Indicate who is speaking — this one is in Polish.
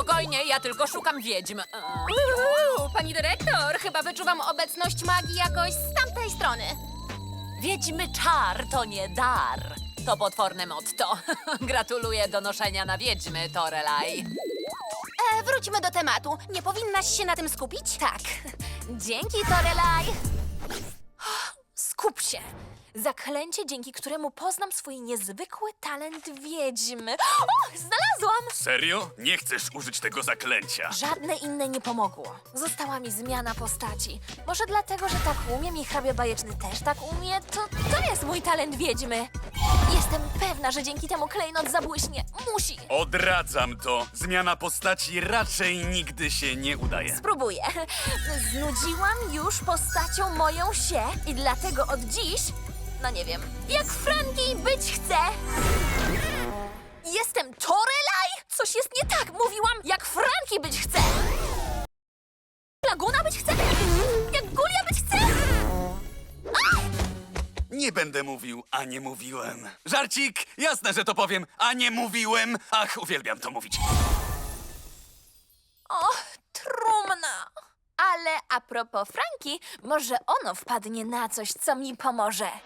Speaker 1: Spokojnie, ja tylko szukam wiedźm.
Speaker 2: Pani dyrektor, chyba wyczuwam obecność magii jakoś z tamtej strony.
Speaker 1: Wiedźmy czar to nie dar. To potworne motto. Gratuluję donoszenia na wiedźmy, Torelaj.
Speaker 2: Wróćmy do tematu. Nie powinnaś się na tym skupić? Tak. Dzięki, Torelaj.
Speaker 3: Skup się! Zaklęcie, dzięki któremu poznam swój niezwykły talent wiedźmy. O, znalazłam!
Speaker 4: Serio? Nie chcesz użyć tego zaklęcia?
Speaker 3: Żadne inne nie pomogło. Została mi zmiana postaci. Może dlatego, że tak umiem i hrabia bajeczny też tak umie? To jest mój talent wiedźmy. Jestem pewna, że dzięki temu klejnot zabłyśnie. Musi!
Speaker 4: Odradzam to. Zmiana postaci raczej nigdy się nie udaje.
Speaker 3: Spróbuję. Znudziłam już postacią moją się i dlatego od dziś, no nie wiem, jak Franki być chcę. Jestem Torelaj? Coś jest nie tak. Mówiłam, jak Franki być chcę. Laguna być chcę? Jak Gulia być chcę?
Speaker 4: Nie będę mówił, a nie mówiłem. Żarcik! Jasne, że to powiem, a nie mówiłem. Ach, uwielbiam to mówić.
Speaker 3: O, trumna. Ale a propos Franki, może ono wpadnie na coś, co mi pomoże.